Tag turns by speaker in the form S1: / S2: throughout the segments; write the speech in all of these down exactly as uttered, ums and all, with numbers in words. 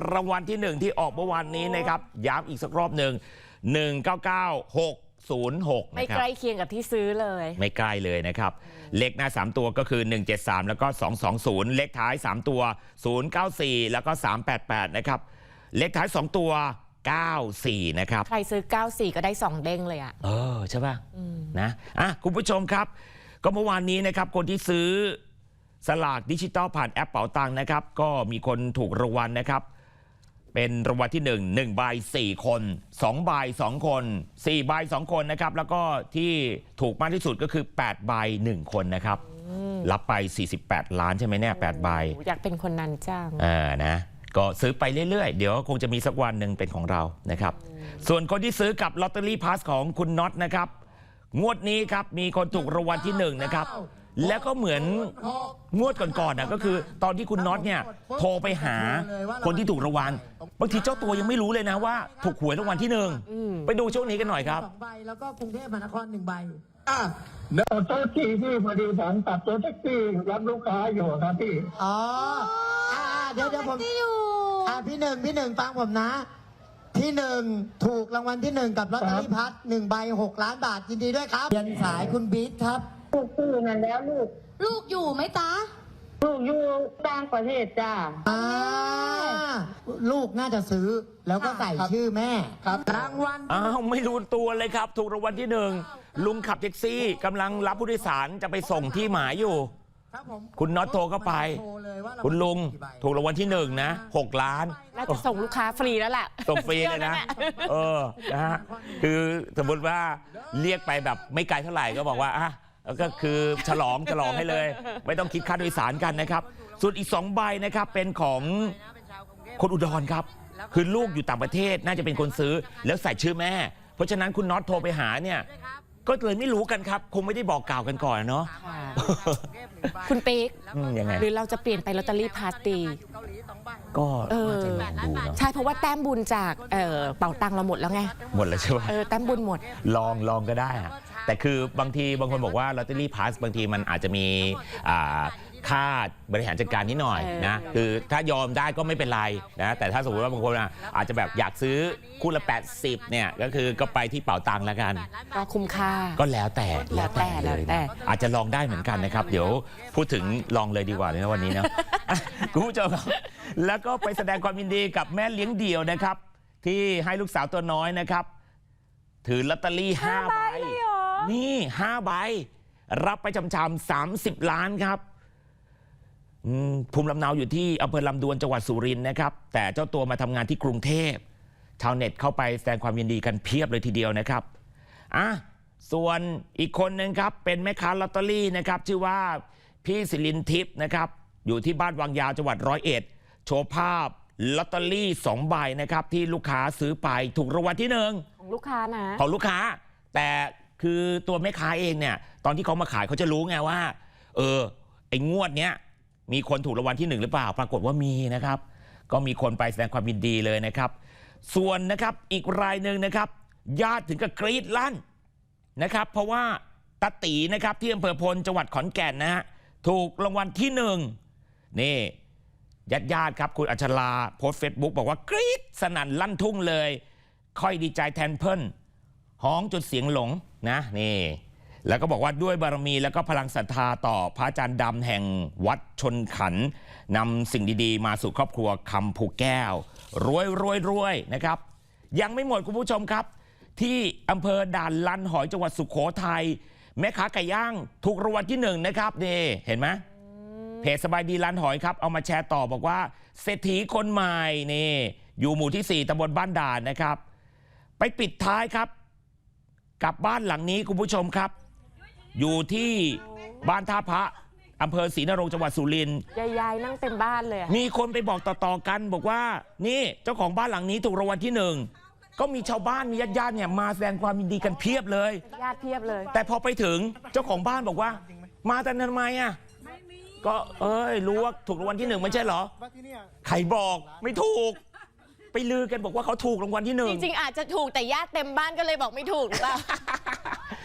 S1: รางวัลที่หนึ่งที่ออกเมื่อวานนี้นะครับย้ำอีกสักรอบหนึ่งหนึ่งเก้าเก้าหกศูนย์หก
S2: ไม่ใกล้เคียงกับที่ซื้อเลย
S1: ไม่ใกล้เลยนะครับเลขหน้าสามตัวก็คือหนึ่งเจ็ดสามแล้วก็สองสองศูนย์เลขท้ายสามตัวศูนย์เก้าสี่แล้วก็สามแปดแปดนะครับเลขท้ายสองตัวเก้าสี่นะครับ
S2: ใครซื้อเก้าสี่ก็ได้สองเด้งเลยอ่ะ
S1: เออใช่ป่ะนะอ่ะคุณผู้ชมครับก็เมื่อวานนี้นะครับคนที่ซื้อสลากดิจิตอลผ่านแอปเป๋าตังค์นะครับก็มีคนถูกรางวัลนะครับเป็นรางวัลที่หนึ่ง หนึ่งใบสี่คนสองใบสองคนสี่ใบสองคนนะครับแล้วก็ที่ถูกมากที่สุดก็คือแปดใบหนึ่งคนนะครับรับไปสี่สิบแปดล้านใช่ไหมเนี่ยแปดใบ
S2: อยากเป็นคนนั้นจัง
S1: อ่านะก็ซื้อไปเรื่อยๆเดี๋ยวคงจะมีสักวันหนึ่งเป็นของเรานะครับส่วนคนที่ซื้อกับลอตเตอรี่พาสของคุณน็อตนะครับงวดนี้ครับมีคนถูกรางวัลที่หนึ่งนะครับแล้วก็เหมือนงวดก่อนๆนะก็คือตอนที่คุณน็อตเนี่ยโทรไปหาคนที่ถูกรางวัลบางทีเจ้าตัวยังไม่รู้เลยนะว่าถูกหวยรางวัลที่หนึ่งไปดูช่วงนี้กันหน่อยครับ
S3: สองใบแล้วก็กรุงเทพมหานครหนึ่งใบ
S4: อ่ะเดี๋ยวโต๊ะที่พี่พอดีผมตัดตัวแท็กซี่รับลูกค้าอยู่ครับพี่
S3: อ๋ออ่าเดี๋ยวเดี๋ยวผมอ่าพี่หนึ่งพี่หนึ่งฟังผมนะพี่หนึ่งถูกรางวัลที่หนึ่งกับลอตเตอรี่พัดหนึ่งใบหกล้านบาทยินดีด้วยครับยันสายคุณบิ๊กครับ
S4: ลูกซื้อนั่นแล้วลูก
S5: ลูกอยู่ไหมตา
S4: ลูกอยู่ต่างประเทศจ้า
S3: อ่าลูกน่าจะซื้อแล้วก็ใส่ชื่อแม่
S4: ครับรางวัล
S1: อ้าวไม่รู้ตัวเลยครับถูกรางวัลที่หนึ่งลุงขับแท็กซี่กำลังรับผู้โดยสารจะไปส่งที่หมายอยู่คุณน็อตโทรเข้าไปคุณลุงถูกรางวัลที่หนึ่งนะหกล้าน
S2: น่าจะส่งลูกค้าฟรีแล้วแหละ
S1: ส่งฟรีเลยนะเออนะฮะคือสมมติว่าเรียกไปแบบไม่ไกลเท่าไหร่ก็บอกว่าอ่ะก็คือฉลองฉลองให้เลยไม่ต้องคิดค่าโดยสารกันนะครับส่วนอีกสองใบนะครับเป็นของคนอุดรครับคือลูกอยู่ต่างประเทศน่าจะเป็นคนซื้อแล้วใส่ชื่อแม่เพราะฉะนั้นคุณน็อตโทรไปหาเนี่ยก็เลยไม่รู้กันครับคงไม่ได้บอกกล่าวกันก่อนเนาะ
S2: คุณปิ๊ก
S1: ยังไง
S2: หรือเราจะเปลี่ยนไปลอตเตอรี่พาร์ตี้
S1: ก็น่าจะลองดูเนาะ
S2: ใช่เพราะว่าแต้มบุญจากเเป๋าตังเราหมดแล้วไง
S1: หมดแล้วใช่ไหม
S2: เออแต้มบุญหมด
S1: ลองลองก็ได้อะแต่คือบางทีบางคนบอกว่าลอตเตอรี่พาสบางทีมันอาจจะมีค่าบริหารจัดการนิดหน่อยนะคือถ้ายอมได้ก็ไม่เป็นไรนะแต่ถ้าสมมติว่าบางคนอาจจะแบบอยากซื้อคู่ละแปดสิบเนี่ยก็คือก็ไปที่เป๋าตังแล้วกัน
S2: ก็คุ้มค่า
S1: ก็แล้วแต่
S2: แล้วแต่เลย
S1: อาจจะลองได้เหมือนกันนะครับเดี๋ยวพูดถึงลองเลยดีกว่าในวันนี้นะคุณผู้ชมแล้วก็ไปแสดงความยินดีกับแม่เลี้ยงเดี่ยวนะครับที่ให้ลูกสาวตัวน้อยนะครับถือลอตเตอรี่ห้าใบนี่ห้าใบรับไปจำๆสามสิบล้านครับภูมิลำเนาอยู่ที่อำเภอลำดวนจังหวัดสุรินทร์นะครับแต่เจ้าตัวมาทำงานที่กรุงเทพชาวเน็ตเข้าไปแสดงความยินดีกันเพียบเลยทีเดียวนะครับอ่ะส่วนอีกคนนึงครับเป็นแม่ค้าลอตเตอรี่นะครับชื่อว่าพี่ศิรินทิพย์นะครับอยู่ที่บ้านวังยาวจังหวัดร้อยเอ็ดโชว์ภาพลอตเตอรี่สองใบนะครับที่ลูกค้าซื้อไปถูกรางวัลที่หนึ่ง
S2: ของลูกค้านะ
S1: ของลูกค้าแต่คือตัวแม่ค้าเองเนี่ยตอนที่เขามาขายเขาจะรู้ไงว่าเออไอ้งวดเนี้ยมีคนถูกรางวัลที่หนึ่งหรือเปล่าปรากฏว่ามีนะครับก็มีคนไปแสดงความยินดีเลยนะครับส่วนนะครับอีกรายหนึ่งนะครับญาติถึงกับกรี๊ดลั่นนะครับเพราะว่าตาตีนะครับที่อำเภอพลจังหวัดขอนแก่นนะฮะถูกรางวัลที่หนึ่งนี่ญาติญาติครับคุณอัชราโพสต์เฟซบุ๊กบอกว่ากรี๊ดสนั่นลั่นทุ่งเลยค่อยดีใจแทนเพิ่นฮ้องจนเสียงหลงนะนี่แล้วก็บอกว่าด้วยบารมีแล้วก็พลังศรัทธาต่อพระอาจารย์ดำแห่งวัดชนขันนำสิ่งดีๆมาสู่ครอบครัวคำภูแก้วรวยรวยรวยนะครับยังไม่หมดคุณผู้ชมครับที่อำเภอด่านลันหอยจังหวัดสุโขทัยแม่ค้าไก่ย่างถูกรางวัลที่หนึ่งนะครับนี่เห็นไหมเพจสบายดีลันหอยครับเอามาแชร์ต่อบอกว่าเศรษฐีคนใหม่นี่อยู่หมู่ที่สี่ตำบลบ้านด่านนะครับไปปิดท้ายครับกับบ้านหลังนี้คุณผู้ชมครับอยู่ที่บ้านท่าพระอำเภอศรีนรงค์จังหวัดสุรินทร์
S2: ยายๆนั่งเต็มบ้านเลย
S1: มีคนไปบอกต่อๆกันบอกว่านี่เจ้าของบ้านหลังนี้ถูกรางวัลที่หนึ่งก็มีชาวบ้านมีญาติๆเนี่ยมาแสดงความยินดีกันเพียบเลย
S2: ญาติเพียบเลย
S1: แต่พอไปถึงเจ้าของบ้านบอกว่ามาแต่ทำไมอ่ะก็เอ้ยรู้ว่าถูกรางวัลที่หนึ่งไม่ใช่เหรอใครบอกไม่ถูกไปลือกันบอกว่าเขาถูกรางวัลที่หนึ่ง
S2: จริงๆอาจจะถูกแต่ญาติเต็มบ้านก็เลยบอกไม่ถูกหรือเปล่า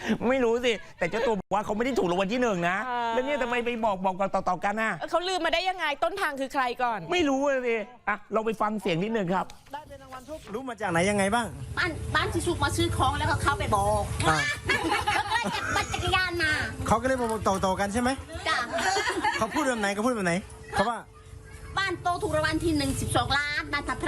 S1: ไม่รู้สิ แต่เจ้าตัวบอกว่าเขาไม่ได้ถูกรางวัลที่หนึ่งนะ
S2: อ่า
S1: แล้วเนี่ยทำไมไปบอกบอกต่อๆกันน่ะ
S2: เขาลืมมาได้ยังไงต้นทางคือใครก่อน
S1: ไม่รู้เลยสิอ่ะเราไปฟังเสียงนิดนึงครับ
S3: ได้เป็นรางวัลทุก
S5: รู้มาจากไหนยังไงบ้าง
S6: บ้านบ้านที่สุกมาซื้อของแล้วก็เข้าไปบอก
S5: อ่า
S6: แล้วก็จับปั่นจักรยานมา
S5: เขาก็เลยมาบอกต่อๆกันใช่ไหม
S6: จ้ะ
S5: เขาพูดแบบไหนเขาพูดแบบไหนเขาว่า
S6: บ้านโตถูกรางวัลที่หนึ่งสิบสองล้านนันทพระ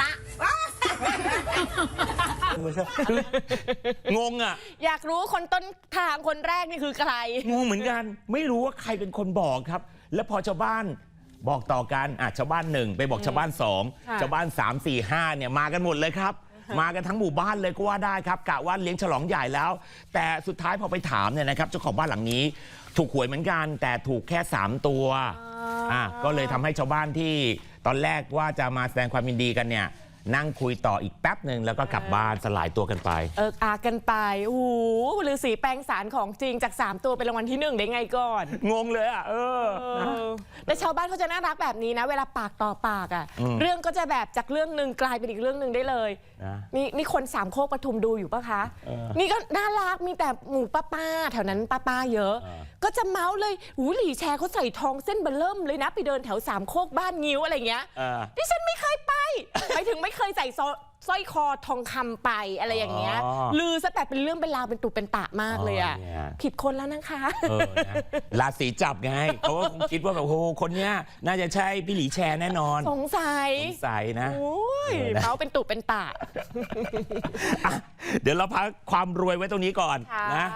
S1: งงอ่ะ
S2: อยากรู้คนต้นทางคนแรกนี่คือใคร
S1: งงเหมือนกัน ไม่รู้ว่าใครเป็นคนบอกครับ แล้วพอชาวบ้านบอกต่อกันอ่ะชาวบ้านหนึ่งไปบอกชาวบ้านสอง
S2: ค่ะ
S1: ชาวบ้านสามสี่ห้าเนี่ยมากันหมดเลยครับ มากันทั้งหมู่บ้านเลยก็ว่าได้ครับกะว่าเลี้ยงฉลองใหญ่แล้ว แต่สุดท้ายพอไปถามเนี่ยนะครับเจ้าของบ้านหลังนี้ ถูกหวยเหมือนกัน แต่ถูกแค่สามตัวอ่ะก็เลยทำให้ชาวบ้านที่ตอนแรกว่าจะมาแสดงความยินดีกันเนี่ยนั่งคุยต่ออีกแป๊บหนึ่งแล้วก็กลับบ้านสลายตัวกันไป
S2: เอออากันไปโอ้โหฤาษีแปลงสารของจริงจากสามตัวเป็นรางวัลที่หนึ่งได้ไงก่อน
S1: งงเลยอ่ะเออ
S2: เอ
S1: นะ
S2: อแต่ชาวบ้านเขาจะน่ารักแบบนี้นะ เวลาปากต่อปากอ่ะ
S1: อืม
S2: เรื่องก็จะแบบจากเรื่องหนึ่งกลายเป็นอีกเรื่องหนึ่งได้เลย
S1: นะ
S2: นี่นี่คนสามโคกปทุมดูอยู่ปะคะ
S1: เออ
S2: นี่ก็น่ารักมีแต่หมู่ป้าป้าๆแถวนั้นป้าป้าๆเยอะ
S1: เออ
S2: ก็จะเมาส์เลยหูหลี่แชร์เขาใส่ทองเส้นเบลเริ่มเลยนะ ไปเดินแถวสามโคกบ้านงิ้วอะไรเงี้ย
S1: เออ
S2: ดิฉันไม่เคยไป ไปถึงไม่เคยใส่ซอสร้อยคอทองคำไปอะไรอย่างเงี้ย
S1: อ๋อ
S2: ลือซะแบบเป็นเรื่องเป็นราวเป็นตุเป็นตะมากเลยอ่ะ
S1: อ๋อเนี่ย
S2: ผิดคนแล้วนะคะ
S1: เออนะราศีจับไงเขาก็คงคิดว่าแบบโอ้โหคนเนี้ยน่าจะใช่พี่หลีแชร์แน่นอน
S2: สงสัย
S1: สงสัยนะ
S2: โอ้ย
S1: เออนะ
S2: เมาเป็นตุเป็นตะ
S1: อ่ะเดี๋ยวเราพักความรวยไว้ตรงนี้ก่อน
S2: ค่ะ
S1: นะ